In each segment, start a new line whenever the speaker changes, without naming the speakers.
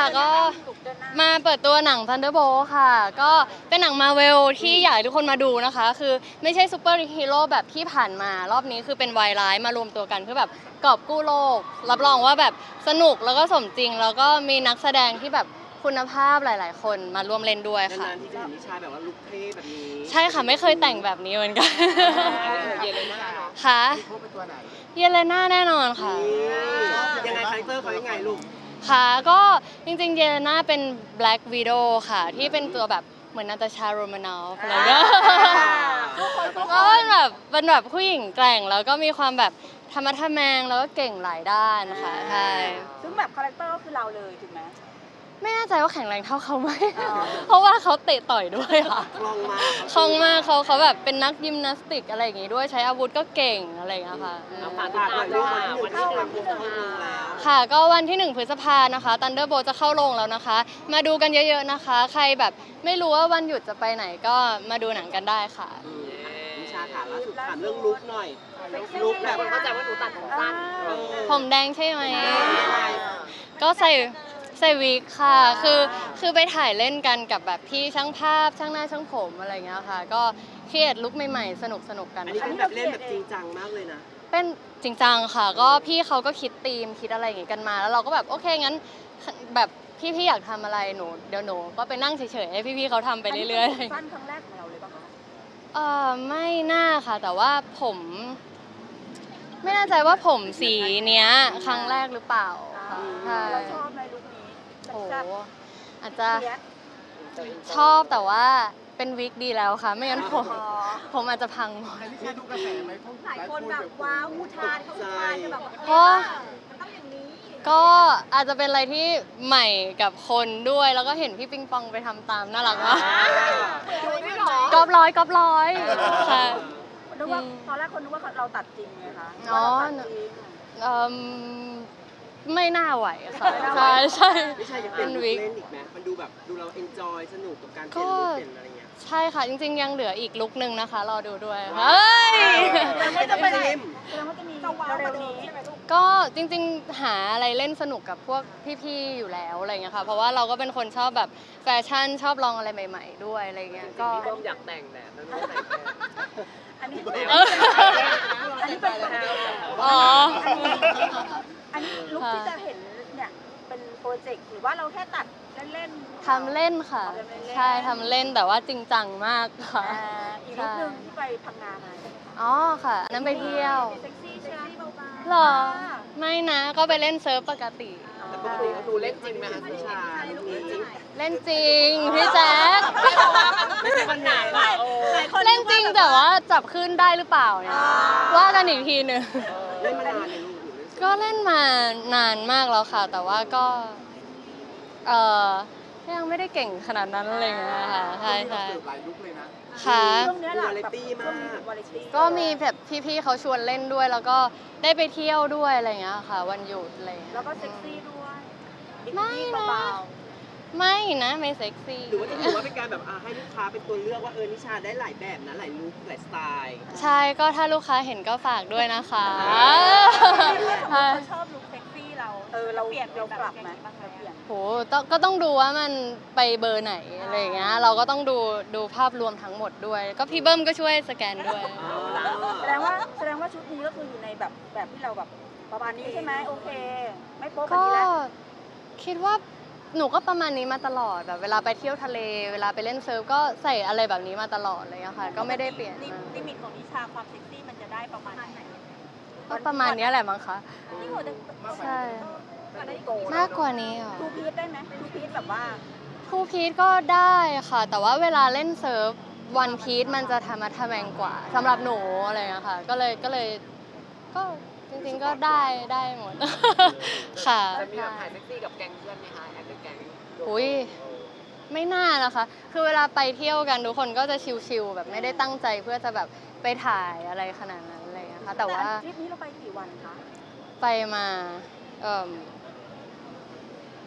ก็มาเปิดตัวหนัง Thunderbolt ค่ะก็เป็นหนังมาเวลที่อยากให้ทุกคนมาดูนะคะคือไม่ใช่ซูเปอร์ฮีโร่แบบที่ผ่านมารอบนี้คือเป็นวายร้ายมารวมตัวกันเพื่อแบบกอบกู้โลกรับรองว่าแบบสนุกแล้วก็สมจริงแล้วก็มีนักแสดงที่แบบคุณภาพหลายๆคนมาร่วมเล่นด้วยค่ะ
นานๆที่จะเห็นนิชาแบบว่าลุคเท่แบบนี้
ใช่ค่ะไม่เคยแต่งแบบนี้เหมือนกัน
เยเลน่า
ค่ะ
มีครบเป็นตัวไหน
เยเลน่าแน่นอนค่ะ
ยังไงคาแรคเตอร์เขายังไงลูก
ค่ะก็จริงๆเยเลน่าเป็น Black Widow ค่ะที่เป็นตัวแบบเหมือนนาตาชาโรมานอฟอะไรเงี้ยก็เป็นแบบผู้หญิงแกร่งแล้วก็มีความแบบธรรมะทะแมงแล้วก็เก่งหลายด้านนะคะใช่
ซึ่งแบบคาแรคเตอร์ก็คือเราเลยถูกไหม
ไม่แน่ใจว่าแข็งแรงเท่าเขาไหม เพราะว่าเขาเตะต่อยด้วยค่ะ
คล่องมาก
คล่องมากเขาแบบเป็นนักยิมนาสติกอะไรอย่างงี้ด้วยใช้อาวุธก็เก่งอะไรอย่างเงี้ยค่ะ
ฝากหน่อยลูกวันที่1 พฤษภาคมเข้าโรงแล้ว
ค่ะก็วันที่1 พฤษภานะคะ Thunderbolt จะเข้าโรงแล้วนะคะ มาดูกันเยอะๆนะคะ ใครแบบไม่รู้ว่าวันหยุดจะไปไหนก็มาดูหนังกันได้ค่ะ
นิชาค่ะล่าสุดถามเรื่องลุคหน่อยลุคแบบเข้าใจว่าหนูตัดผมสั้น
ผมแดงใช่ไหม ก็ใส่วิกค่ะ คือไปถ่ายเล่นกันกับแบบพี่ช่างภาพช่างหน้าช่างผมอะไรอย่างเงี้ยค่ะ ก็เครียดลุคใหม่ๆ สนุกกัน
อันนี้
ค่ะ
เป็นแบบเล่นแบบจริงจังมากเลยนะ
เป็นจริงจังค่ะ ก็พี่เขาก็คิดธีมคิดอะไรอย่างงี้กันมา แล้วเราก็แบบโอเคงั้นแบบพี่อยากทำอะไรเดี๋ยวหนูก็ไปนั่งเฉยๆให้พี่ๆเขาทำไปเรื่อยๆ
สั้นครั้งแรกของเราเลยป่ะคะ
ไม่น่าค่ะ แต่ว่าผม ไม่แน่ใจว่าผมสีเนี้ยครั้งแรกหรือเปล่าค่ะใช่
เราชอบในลุคนี้
โอ้
แซ่บ
อาจจะ
เนี้ย
ชอบแต่ว่าเป็นวิกดีแล้วค่ะ ไม่งั้นผม
อ๋อ
ผมอาจจะพังหมด
ให้นิชาดูกระแสไหมเพราะ
หลายคนแบบว้าวอุทานเขาอุทานกันแบบว่า
เพราะ
มันต้องอย่างนี้
ก็อาจจะเป็นอะไรที่ใหม่กับคนด้วย แล้วก็เห็นพี่ปิงปองไปทำตามน่ารักมากกอบร้อยค่ะ
นึกว่าตอนแรกคนนึกว่าเราตัดจริงไงคะ
อ๋อ
ว่าเราตัดจริง
เอิ่มไม่น่าไหวค่ะ
ไม่น่าไหว
ใช่
นิชาอยากเป็นลุคเล่นอีกไหมมันดูแบบดูเราเอนจอยสนุกกับการเปลี่ยนลุคเปลี่ยนอะไรเงี้ย
ใช่ค่ะ จริงๆ ยังเหลืออีกลุกนึงนะคะ รอดูด้วยเฮ้ย
มันจะไปไหนแสดงว่าจะมีเร็วๆนี้ใช่ไหมลูก
ก็จริงๆ หาอะไรเล่นสนุกกับพวกพี่ๆ อยู่แล้วอะไรเงี้ยค่ะ เพราะว่าเราก็เป็นคนชอบแบบแฟชั่นชอบลองอะไรใหม่ๆ ด้วยอะไรเงี้ย ก็
พี่เบิ้มอยากแต่งแบบนั้นไม่แต่งแทน
อันนี้
เออ
อันนี้เป็น
อ๋อ
อันนี้ลุคที่จะเห็นเนี่ยเป็นโปรเจกต์หรือว่าเราแค่ตัดเล่นๆ
ทำเล่นค่ะ
ทำเล่นๆ
ใช่ทำเล่นแต่ว่าจริงจังมากค่ะ
อีกลุคหนึ่งที่ไปพังงามาใช่ไหมคะ
อ๋อค่ะอันนั้นไปเที่ยว
เซ็กซี่ใช่ไหมเบาๆ
หรอ ไม่นะ ก็ไปเล่นเซิร์ฟปกติ
แต่ปกติเขาดูเล่นจริงไหมคะนิชาลุคนี้จริง
เล่นจริงพี่แจ๊ค
ไม่ใช่ปัญหาค่ะโอ้
เล่นจริงแต่ว่าจับขึ้นได้หรือเปล่าเนี่ยว่ากันอีกทีหนึ่ง
เล่นมานานเลยลูกหนูเล่น
ก็เล่นมานานมากแล้วค่ะ แต่ว่าก็เออยังไม่ได้เก่งขนาดนั้นอะไรอย่างเงี้ยค่ะใช่
เรา
ใช่
เสิร์ฟหลายลุกเลยนะ
ค่ะ
ช่วงเนี้ยแหละ
วาไรตี้มาก
วาไรตี้
ก็มีแบบพี่ๆเขาชวนเล่นด้วย แล้วก็ได้ไปเที่ยวด้วยอะไรอย่างเงี้ยค่ะ วันหยุดอะไรอย่างเงี้ย
แล้วก็เซ็กซี่ด้วยอีก
ไม่
ที่
นะ
เบา
ไม่นะไม่เซ็กซี่
หรือว่าจะถือว่าเป็นการแบบให้ลูกค้าเป็นตัวเลือกว่านิชาได้หลายแบบนะหลายลุคหลายสไตล์
ใช่ก็ถ้าลูกค้าเห็นก็ฝากด้วยนะคะ
เขาชอบลุคเซ็กซี่เราเราเปลี่ยนเรากลับไหมเราเปลี่ยน
โหก็ต้องดูว่ามันไปเบอร์ไหนอะไรอย่างเงี้ย เราก็ต้องดูภาพรวมทั้งหมดด้วย ก็พี่เบิ้มก็ช่วยสแกนด้วย
แสดงว่าชุดนี้ก็คืออยู่ในแบบที่เราแบบประมาณนี้ใช่ไหมโอเค ไม่โป๊ะแบบ
ก็
นี้แล้ว
คิดว่าหนูก็ประมาณนี้มาตลอดแบบเวลาไปเที่ยวทะเล เวลาไปเล่นเซิร์ฟก็ใส่อะไรแบบนี้มาตลอดเลยอะค่ะ ก็ไม่ได้เปลี่ยนมา
ลิมิตของนิชาความเซ็กซี่มันจะได้ประมาณไหน
ก็ประมาณเนี้ยแหละมั้งคะ
ที่หัวจะ
ใช่
โกรธ
มากกว่านี้เหรอ
ทูพีซได้ไหมทูพีซแบบว่า
ทูพีทก็ได้ค่ะ แต่ว่าเวลาเล่นเซิร์ฟวันพีทมันจะธรรมะทะแมงกว่าสำหรับหนูอะไรอย่างเงี้ยค่ะ ก็เลยก็จริงๆก็ได้หมด ค่ะ
จะมีแบบถ่ายเซ็กซี่กับแก๊งเพื่อนไหมคะแอดเป็นแก๊ง
อุ้ยไม่น่านะคะ คือเวลาไปเที่ยวกันทุกคนก็จะชิลๆแบบไม่ได้ตั้งใจเพื่อจะแบบไปถ่ายอะไรขนาดนั้นอะไรอย่างเลยนะคะแต่ว่า
ทริปนี้เราไปกี่วันคะ
ไปมา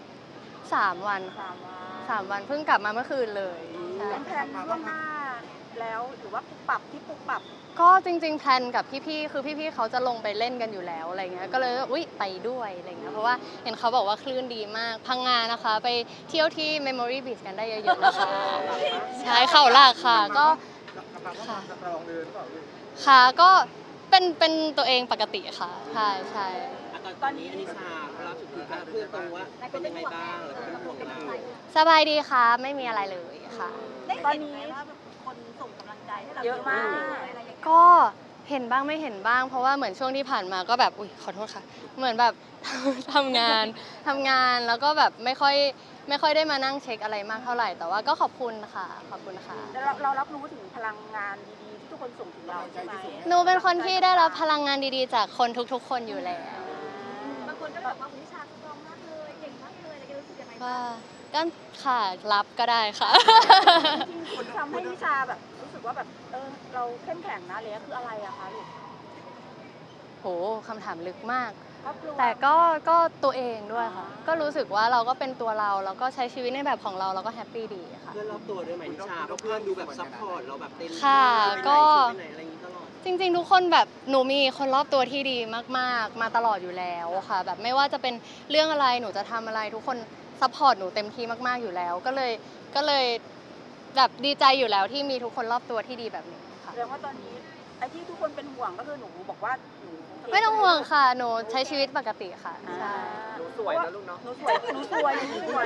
3 วันค่ะ
3 วัน
3 วันเพิ่งกลับมาเมื่อคืนเลยใช่
แพลนล่วงหน้าแล้วหรือว่าปรับปรับ
ก็จริงๆแพลนกับพี่ๆคือพี่ๆเขาจะลงไปเล่นกันอยู่แล้วอะไรเงี้ยก็เลยอุ๊ยไปด้วยอะไรเงี้ยเพราะว่าเห็นเขาบอกว่าคลื่นดีมากพังงานะคะไปเที่ยวที่ Memory Beach กันได้เยอะๆนะคะใช่เขาหลักค่ะก็
ค่ะสตรองเลยหรือเปล่าลูก
ค่ะก็เป็นตัวเองปกติค่ะใช่ใช่
ตอนนี้อนิชาล่าสุดคือการเพื่อนตรงว่าเป็นยังไงบ้างแล้วก็เป็นห่วงเรา
สบายดีค่ะไม่มีอะไรเลยค่ะ
ตอนนี้ว่าคนส่งกำลังใจให้เราเยอะมาก
ก็เห็นบ้างไม่เห็นบ้าง เพราะว่าเหมือนช่วงที่ผ่านมาก็แบบอุ๊ยขอโทษค่ะ เหมือนแบบ ทำงานแล้วก็แบบไม่ค่อยได้มานั่งเช็คอะไรมากเท่าไหร่แต่ว่าก็ขอบคุณค่ะขอบคุณค่ะ
แล้วเรารับรู้ถึงพลังงานดีๆที่ทุกคนส่งถึงเราใช่ไหม
หนูเป็นคนที่ได้รับพลังงานดีๆ จากคนทุกๆ คนอยู่แล้ว
บางคนก็แบบว่าคุณวิชาสตรองมากเลยเก่งมากเลยอะไรรู้สึกยังไงบ้าง
ก็ค่ะรับก็ได้ค่ะ
จริงๆคุณทำให้วิชาแบบรู้สึกว่าแบบเราเข้มแข็งนะเลยคืออะไรอะคะลูก
โหคำถามลึกมาก
ครอบครัว
แต่ก็ตัวเองด้วยค่ะ ก็รู้สึกว่าเราก็เป็นตัวเราแล้วก็ใช้ชีวิตในแบบของเราก็แฮปปี้ดีค่ะ
เพื่อนรอบตัวด้วยไหมนิชาเพราะเพื่อนดูแบบซัพพอร์ตเราแบบเต็มที่
ค่ะ
ไปไหน
ก็
ไปไหนอะไรอย่างนี้ตลอด
จริงๆ ทุกคนแบบหนูมีคนรอบตัวที่ดีมากๆ มาตลอดอยู่แล้วค่ะ แบบไม่ว่าจะเป็นเรื่องอะไรหนูจะทำอะไรทุกคนซัพพอร์ตหนูเต็มที่มากๆอยู่แล้ว ก็เลยแบบดีใจอยู่แล้วที่มีทุกคนรอบตัวที่ดีแบบนี้ค่ะ
แสดงว่าตอนนี้ไอ้ที่ทุกคนเป็นห่วงก็คือหนูบอกว่าหนู
ไม่ต้องห่วงค่ะ หนูใช้ชีวิตปกติค่ะใช่
หนูสวยนะลูกเนาะ
หนูสวยหนูสวย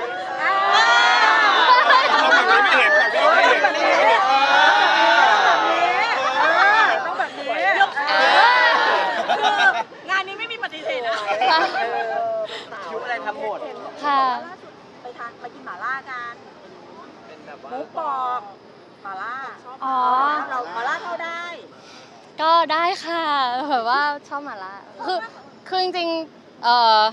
ต้องแบบนี้งานนี้ไม่มีปฏิเสธนะ
คิวอะไรทำหมด
ค่ะ
ล่าสุดไปกินหม่าล่ากัน
เป็นแบบว่า
หมูกรอบหม่าล่า
อ๋อ
เราหม่าล่าเข้าได้
ก็ได้ค่ะแบบว่าชอบหมาล่าคือจริงๆ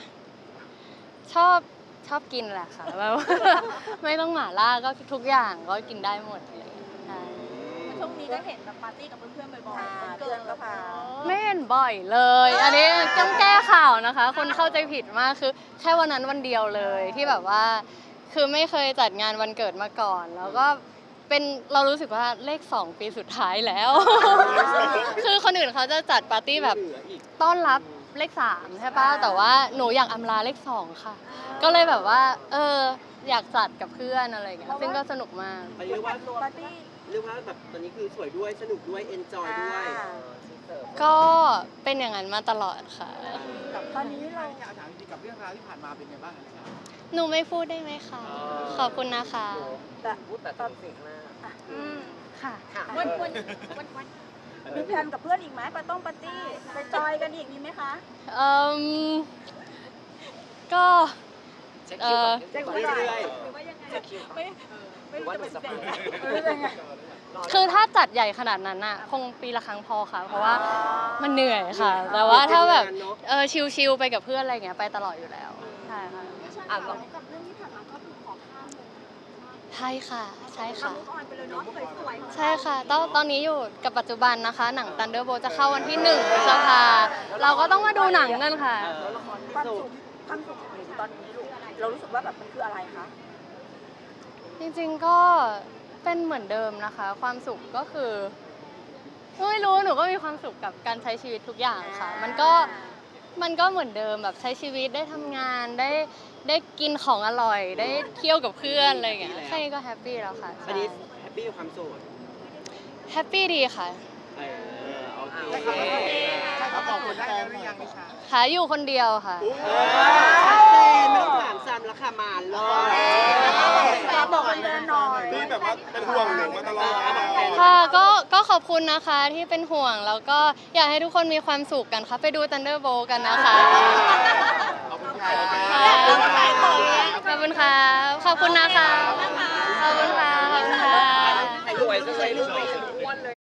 ชอบกินแหละค่ะแบบว่า ไม่ต้องหมาล่าก็ทุกอย่างก็กินได้หมดเลยใช่
ช่วงนี้ก็เห็นแบบปาร์ตี้กับเพื่อนๆบ่อยๆเพื่อนก็พา
ไม่เห็นบ่อยเลย อันนี้ต้องแก้ข่าวนะคะ คนเข้าใจผิดมากคือแค่วันนั้นวันเดียวเลยที่แบบว่า คือไม่เคยจัดงานวันเกิดมาก่อน แล้วก็เป็นเรารู้สึกว่าเลข 2 ปีสุดท้ายแล้ว คือคนอื่นเขาจะจัดปาร์ตี้แบบ
เหลืออีก
ต้อนรับเลข 3 ใช่ป่ะ แต่ว่าหนูอยากอำลาเลข 2 ค่ะ ก็เลยแบบว่าอยากจัดกับเพื่อนอะไรอย่างเงี้ยซึ่งก็สนุกมาก
เรียกว่า
ปาร์ตี้
แบบตอนนี้คือสวยด้วยสนุกด้วยเอนจอยด้วย
ก็เป็นอย่างนั้นมาตลอดค่ะ
กับตอนนี้เราอยากถามจริงๆกับเรื่องราวที่ผ่านมาเป็นไงบ้างนะครับ
หนูไม่พูดได้ไหมคะ ขอบคุณนะคะ
แต่พูดแต่ตอนสิ่งหน้า
ค่ะ
วันมีแพลนกับเพื่อนอีกไหมปาร์ตี้ไปจอยกันอีกมีไหมคะ
เอ่มก็
เช็คคิวก่อน
เช็คคิว
เรื่
ก่อน
อย
หรือว่ายังไง
ๆเช็คคิว
ไม่รู้จะเป็นยังไง
คือถ้าจัดใหญ่ขนาดนั้นน่ะคงปีละครั้งพอค่ะ เพราะว่ามันเหนื่อยค่ะ แต่ว่าถ้าแบบชิลๆไปกับเพื่อนอะไรอย่างเงี้ยไปตลอดอยู่แล้วใช่ค่ะ
อ่ะ
กับเรื่องที่ผ่านมาก็คือขอข้ามเลย
ใช่ค่ะใช่ค่ะ
ออนไปเลยเนาะสวยๆ
ใช่ค่ะตอนนี้อยู่กับปัจจุบันนะคะ หนัง Thunderbolt จะเข้าวันที่1 พฤษภาเราก็ต้องมาดูหนังกันค่ะ
แล้วละครที่
ความ
สุ
สุ
ด
ขความสุขของหนูตอนนี้ลูกเรารู้สึกว่าแบบมันคืออะไรคะ
จริงๆก็เป็นเหมือนเดิมนะคะ ความสุขก็คือไม่รู้หนูก็มีความสุขกับการใช้ชีวิตทุกอย่างค่ะ มันก็เหมือนเดิมแบบใช้ชีวิตได้ทำงานได้กินของอร่อย ได้เที่ยวกับเพื่อนอะไรอย่างเงี้ยแค่นี้ก็แฮปปี้แล้วค่ะ
อันนี้แฮปปี้กับความโสด
แฮปปี้ดีค่ะ
โอเค
เขาบอกคนได้แล้วหรือยังนิชา
หาอยู่คนเดียวค่ะ
ชัดเจนไม่ต้องถามซ้ำแล้วค่ะมาเลย
บอกเลยหน่อย
ที่แบบว่าเป็นห่วงหนูมาตลอด
ค่ะก็ขอบคุณนะคะที่เป็นห่วงแล้วก็อยากให้ทุกคนมีความสุขกันค่ะ ไปดู Thunderbolt กันนะคะ
ขอบคุณค่ะ
ขอบคุณค่ะขอบคุณนะ